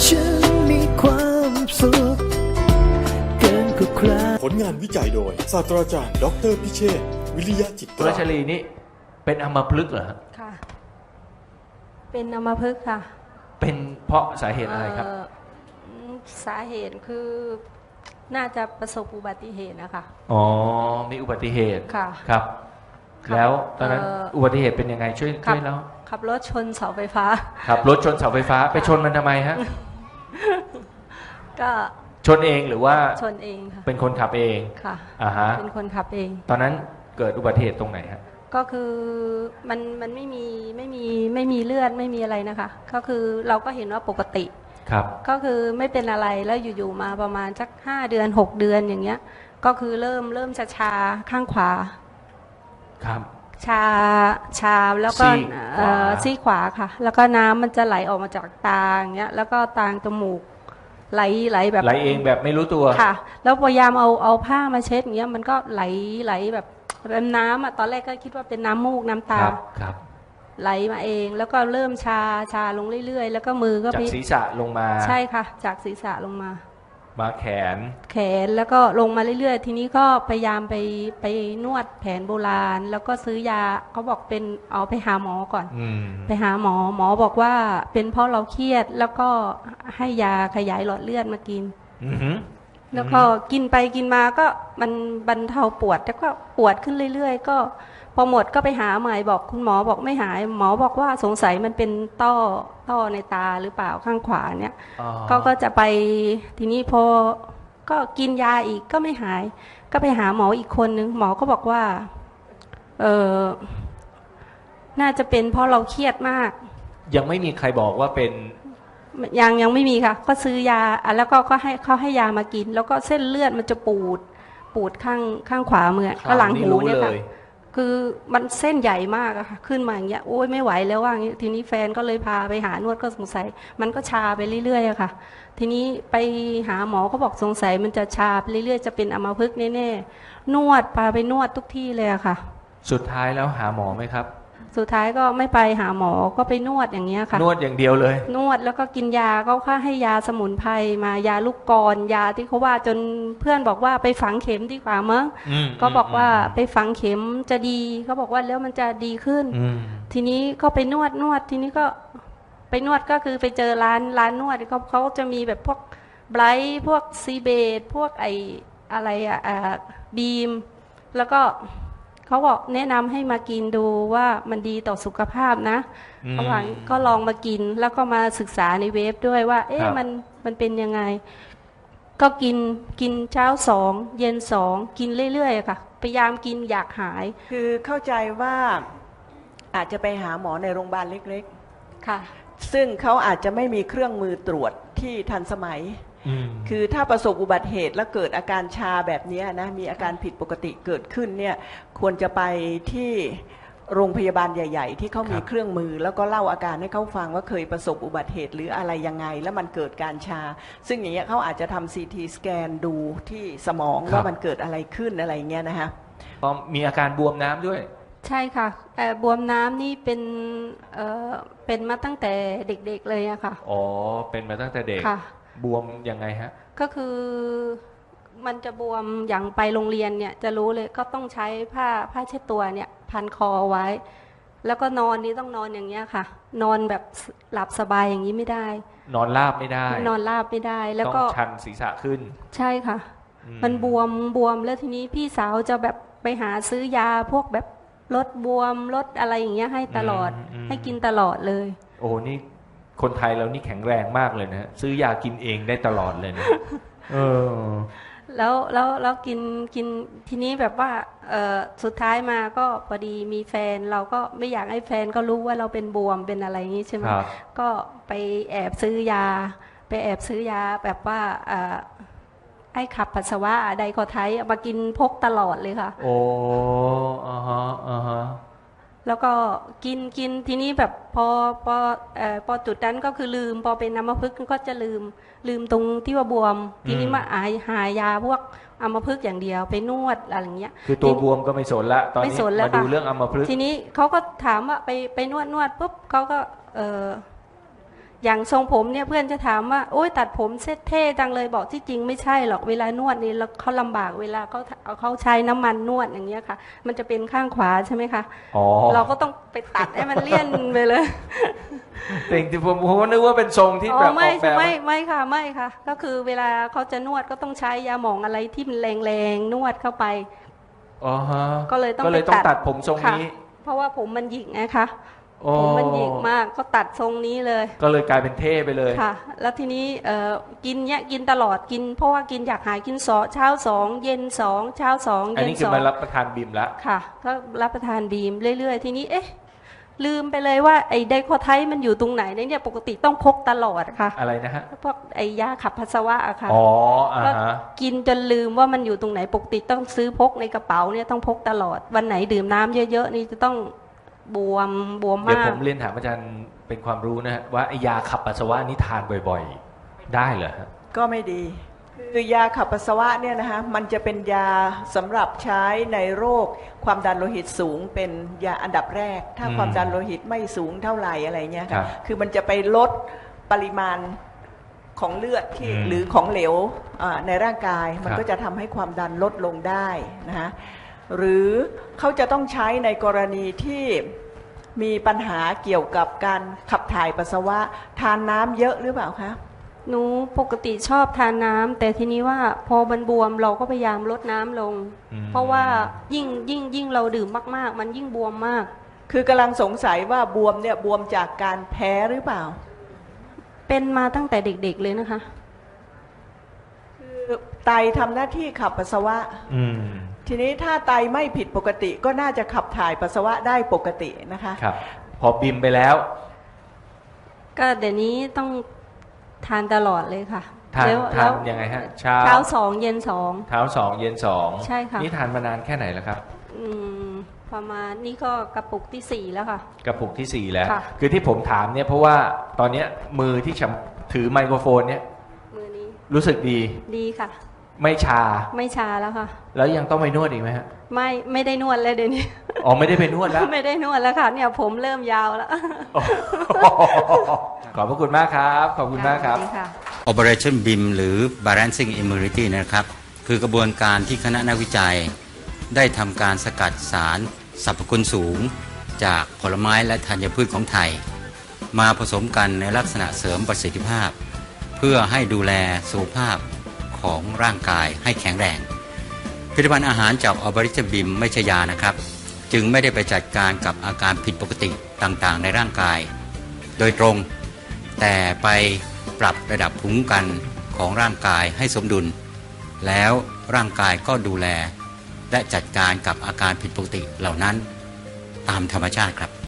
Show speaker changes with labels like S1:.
S1: ฉันมีความสุขเกินกว่าใคร
S2: ผลงานวิจัยโดยศาสตราจารย์ดรพิเชษฐ์วิริยะจิต
S3: คุณรัชลีนี่เป็นอัมพฤกษ์เหรอฮะ
S4: ค่ะเป็นอัมพฤกษ์ค่ะ
S3: เป็นเพราะสาเหตุอะไรครับ
S4: สาเหตุคือน่าจะประสบอุบัติเหตุนะคะ
S3: อ๋อมีอุบัติเหตุ
S4: ค่ะ
S3: ครับแล้วตอนนั้นอุบัติเหตุเป็นยังไงช่วยแล้ว
S4: ขับรถชนเสาไฟฟ้า
S3: ขับรถชนเสาไฟฟ้าไปชนมันทำไมฮะ
S4: ก็
S3: ชนเองหรือว่า
S4: ชนเองค่ะ
S3: เป็นคนขับเอง
S4: ค่ะ
S3: ฮะ
S4: เป็นคนขับเอง
S3: ตอนนั้นเกิดอุบัติเหตุตรงไหนฮะ
S4: ก็คือมันไม่มีเลือดไม่มีอะไรนะคะก็คือเราก็เห็นว่าปกติ
S3: ครับก็
S4: คือไม่เป็นอะไรแล้วอยู่ๆมาประมาณสัก5 เดือน6 เดือนอย่างเงี้ยก็คือเริ่มชาข้างขวา
S3: ครับ
S4: ชาแล้วก็ซี่ขวาค่ะแล้วก็น้ำมันจะไหลออกมาจากตาอย่างเงี้ยแล้วก็ตางจมูกไหลแบบ
S3: ไหลเองแบบไม่รู้ตัว
S4: ค่ะแล้วพยายามเอาผ้ามาเช็ดอย่างเงี้ยมันก็ไหลแบบน้ำอ่ะตอนแรกก็คิดว่าเป็นน้ำมูกน้ำตา
S3: ครับ
S4: ไหลมาเองแล้วก็เริ่มชาลงเรื่อยๆแล้วก็มือก็
S3: จากศีรษะลงมา
S4: ใช่ค่ะจากศีรษะลงมา
S3: แข
S4: นแล้วก็ลงมาเรื่อยๆทีนี้ก็พยายามไปนวดแผนโบราณแล้วก็ซื้อยาเขาบอกเป็นเอาไปหาหมอก่อนไปหาหมอบอกว่าเป็นเพราะเราเครียดแล้วก็ให้ยาขยายหลอดเลือดมากินแล้วก็กินไปกินมาก็มันบรรเทาปวดแล้วก็ปวดขึ้นเรื่อยๆก็พอหมดก็ไปหาใหม่บอกคุณหมอบอกไม่หายหมอบอกว่าสงสัยมันเป็นต้อในตาหรือเปล่าข้างขวาเนี่ยก็จะไปทีนี้พอก็กินยาอีกก็ไม่หายก็ไปหาหมออีกคนนึงหมอก็บอกว่าน่าจะเป็นเพราะเราเครียดมาก
S3: ยังไม่มีใครบอกว่าเป็น
S4: ยังไม่มีค่ะก็ซื้อยาแล้วก็ให้เขาให้ยามากินแล้วก็เส้นเลือดมันจะปูดข้างขวามือก็หลังหูเนี่ยค่ะคือมันเส้นใหญ่มากอะค่ะขึ้นมาอย่างเงี้ยโอ้ยไม่ไหวแล้วว่าอย่างเงี้ยทีนี้แฟนก็เลยพาไปหานวดก็สงสัยมันก็ชาไปเรื่อยๆอะค่ะทีนี้ไปหาหมอเขาบอกสงสัยมันจะชาไปเรื่อยๆจะเป็นอัมพฤกษ์แน่ๆนวดพาไปนวดทุกที่เลยอะค่ะ
S3: สุดท้ายแล้วหาหมอไหมครับ
S4: สุดท้ายก็ไม่ไปหาหมอก็ไปนวดอย่างเงี้ยค่ะ
S3: นวดอย่างเดียวเลย
S4: นวดแล้วก็กินยาเขาค่าให้ยาสมุนไพรมายาลูกกรยาที่เขาว่าจนเพื่อนบอกว่าไปฝังเข็มดีกว่ามั้งก็บอกว่าไปฝังเข็มจะดีเขาบอกว่าแล้วมันจะดีขึ้นทีนี้ก็ไปนวดทีนี้ก็ไปนวดก็คือไปเจอร้านนวดเขาจะมีแบบพวกไบรท์พวกซีเบดพวกไออะไรบีมแล้วก็เขาบอกแนะนำให้มากินดูว่ามันดีต่อสุขภาพนะเขาบอกก็ลองมากินแล้วก็มาศึกษาในเว็บด้วยว่ามันเป็นยังไงก็กินเช้า2เย็น2กินเรื่อยๆค่ะพยายามกินอยากหาย
S5: คือเข้าใจว่าอาจจะไปหาหมอในโรงพยาบาลเล็ก
S4: ๆค่ะ
S5: ซึ่งเขาอาจจะไม่มีเครื่องมือตรวจที่ทันสมัยคือถ้าประสบอุบัติเหตุแล้วเกิดอาการชาแบบนี้นะมีอาการผิดปกติเกิดขึ้นเนี่ยควรจะไปที่โรงพยาบาลใหญ่ๆที่เขามีเครื่องมือแล้วก็เล่าอาการให้เขาฟังว่าเคยประสบอุบัติเหตุหรืออะไรยังไงแล้วมันเกิดการชาซึ่งอย่างเงี้ยเขาอาจจะทำ CT สแกนดูที่สมองว่ามันเกิดอะไรขึ้นอะไรเงี้ยนะฮะ
S3: พอมีอาการบวมน้ำด้วย
S4: ใช่ค่ะบวมน้ำนี่เป็นมาตั้งแต่เด็กๆเลยอะค่ะ
S3: อ๋อเป็นมาตั้งแต่เด็กบวมยังไงฮะ
S4: ก็คือมันจะบวมอย่างไปโรงเรียนเนี่ยจะรู้เลยก็ต้องใช้ผ้าเช็ดตัวเนี่ยพันคอไว้แล้วก็นอนนี่ต้องนอนอย่างเงี้ยค่ะนอนแบบหลับสบายอย่างนี้ไม่ได้
S3: นอนราบไม่ได้
S4: นอนราบไม่ได้แล้วก็
S3: ต้องชันศีรษะขึ้น
S4: ใช่ค่ะมันบวมแล้วทีนี้พี่สาวจะแบบไปหาซื้อยาพวกแบบลดบวมลดอะไรอย่างเงี้ยให้ตลอดให้กินตลอดเลย
S3: โอ้นี่คนไทยเรานี่แข็งแรงมากเลยนะซื้อยากินเองได้ตลอดเลยนะ
S4: แล้วกินทีนี้แบบว่าสุดท้ายมาก็พอดีมีแฟนเราก็ไม่อยากให้แฟนก็รู้ว่าเราเป็นบวมเป็นอะไรอย่างนี้ใช่ไหมก็ไปแอบซื้อยาแบบว่าให้ขับปัสสาวะไดคอไทป์มากินพกตลอดเลยค่ะ
S3: โอ้ฮะ
S4: แล้วก็กินทีนี้แบบพอจุดนั้นก็คือลืมพอเป็นอัมพฤกษ์ก็จะลืมตรงที่ว่าบวมทีนี้มาหายาพวกอัมพฤกษ์อย่างเดียวไปนวดอะไรอย่างเงี้ย
S3: คือตัวบวมก็ไม่สนละตอนนี้มาดูเรื่องอัมพฤกษ์
S4: ทีนี้เขาก็ถามว่าไปนวดปุ๊บเขาก็อย่างทรงผมเนี่ยเพื่อนจะถามว่าโอ๊ยตัดผมเซ็ตเท่จังเลยบอกที่จริงไม่ใช่หรอกเวลานวดนี่เขาลำบากเวลาเขาใช้น้ำมันนวดอย่างเงี้ยค่ะมันจะเป็นข้างขวาใช่ไหมคะ
S3: อ๋อ
S4: เราก็ต้องไปตัดให้มันเลี่ยนไปเลย
S3: แต่จริงๆผมก็นึกว่าเป็นทรงที่แบบอ
S4: ไม่
S3: อกแบบ
S4: ไม่ค่ะไม่ค่ะ ก็คือเวลาเขาจะนวดก็ต้องใช้ยาหมองอะไรที่มันแรงๆนวดเข้าไป
S3: อ๋อฮะ
S4: ก็เลยต้อง
S3: ตัดผมทรง
S4: ค่ะ
S3: นี้
S4: เพราะว่าผมมันหยิกนะคะ
S3: โอ้
S4: ผมมันหยิกมากก็ตัดทรงนี้เลย
S3: ก็เลยกลายเป็นเท่ไปเลย
S4: ค่ะ แล้วทีนี้กินเนี่ยกินตลอดกินเพราะว่ากินอยากหายกินเช้า2เย็น2เช้า2
S3: อัน
S4: เย็น
S3: นี้คือ
S4: 2
S3: มารับประทานบิมแล้ว
S4: ค่ะก็รับประทานบีมเรื่อยๆทีนี้เอ๊ะลืมไปเลยว่าไอ้ไดโคไทด์มันอยู่ตรงไหนเนี่ยปกติต้องพกตลอดค่ะ
S3: อะไรนะฮะ
S4: พวกไอ้ยาขับปัสสาวะอะค่ะ
S3: อ๋ออ่า
S4: ก็
S3: ฮะ
S4: กินจนลืมว่ามันอยู่ตรงไหนปกติต้องซื้อพกในกระเป๋าเนี่ยต้องพกตลอดวันไหนดื่มน้ำเยอะๆนี่จะต้องบวม
S3: เดี๋ยว
S4: มา
S3: ผ
S4: ก
S3: มเรียนถามอาจารย์เป็นความรู้นะฮะว่าไอ้ยาขับปัสสาวะนี่ทานบ่อยๆ ได้เหรอฮะ
S5: ก็ไม่ดี คือยาขับปัสสาวะเนี่ยนะคะมันจะเป็นยาสำหรับใช้ในโรคความดันโลหิตสูงเป็นยาอันดับแรก ถ้าความดันโลหิตไม่สูงเท่าไหร่อะไรเงี้ย
S3: ครั
S5: ค่ะ
S3: บ
S5: คือมันจะไปลดปริมาณของเลือดที่
S3: อืม
S5: หรือของเหลวในร่างกายมัน
S3: ครับ
S5: ก็จะทำให้ความดันลดลงได้นะคะหรือเขาจะต้องใช้ในกรณีที่มีปัญหาเกี่ยวกับการขับถ่ายปัสสาวะทานน้ำเยอะหรือเปล่าคะ
S4: หนูปกติชอบทานน้ำแต่ทีนี้ว่าพอมันบวมเราก็พยายามลดน้ำลง
S3: อืม
S4: เพราะว่ายิ่งเราดื่มมากๆ มันยิ่งบวมมาก
S5: คือกำลังสงสัยว่าบวมเนี่ยบวมจากการแพ้หรือเปล่า
S4: เป็นมาตั้งแต่เด็กๆเลยนะคะ
S5: คือไตทำหน้าที่ขับปัสสาวะ
S3: อืม
S5: ทีนี้ถ้าไตไม่ผิดปกติก็น่าจะขับถ่ายปัสสาวะได้ปกตินะคะ
S3: ครับ พอบิมไปแล้ว
S4: ก็เดี๋ยวนี้ต้องทานตลอดเลยค่ะ
S3: ทาน
S4: แล้ว
S3: ยังไงฮะ
S4: เช้า2เย็น2
S3: เช้า2เย็น2
S4: ใช่ค่ะ
S3: นี่ทานมานานแค่ไหนแล้วครับ
S4: ประมาณนี่ก็กระปุกที่4แล้วค่ะ
S3: กระปุกที่ 4 แล้ว
S4: ค่ะ
S3: คือที่ผมถามเนี่ยเพราะว่าตอนเนี้ยมือที่ถือไมโครโฟนเนี่ย
S4: มือนี้
S3: รู้สึกดี
S4: ดีค่ะ
S3: ไม่ชา
S4: ไม่ชาแล้วค่ะ
S3: แล้วยังต้องไปนวดอีกไหมฮะ
S4: ไม่ได้นวดเลยเดี๋ยวนี้
S3: อ๋อไม่ได้ไปนวดแล้ว
S4: ไม่ได้นวดแล้วค่ะ เนี่ยผมเริ่มยาวแล้ว
S3: ขอบพระคุณมากครับ ขอบคุณมากครับ
S4: สวัสดีค่ะ
S6: Operation BIM หรือ Balancing Immunity นะครับ คือกระบวนการที่คณะนักวิจัย ได้ทำการสกัดสารสรรพคุณสูง จากผลไม้และธัญพืชของไทย มาผสมกันในลักษณะเสริมประสิทธิภาพ เพื่อให้ดูแลสุขภาพของร่างกายให้แข็งแรง ผลิตภัณฑ์อาหารจาก Operation BIM ไม่ใช่ยานะครับ จึงไม่ได้ไปจัดการกับอาการผิดปกติต่างๆ ในร่างกาย โดยตรง แต่ไปปรับระดับภูมิคุ้มกันของร่างกายให้สมดุล แล้วร่างกายก็ดูแล และจัดการกับอาการผิดปกติเหล่านั้นตามธรรมชาติครับ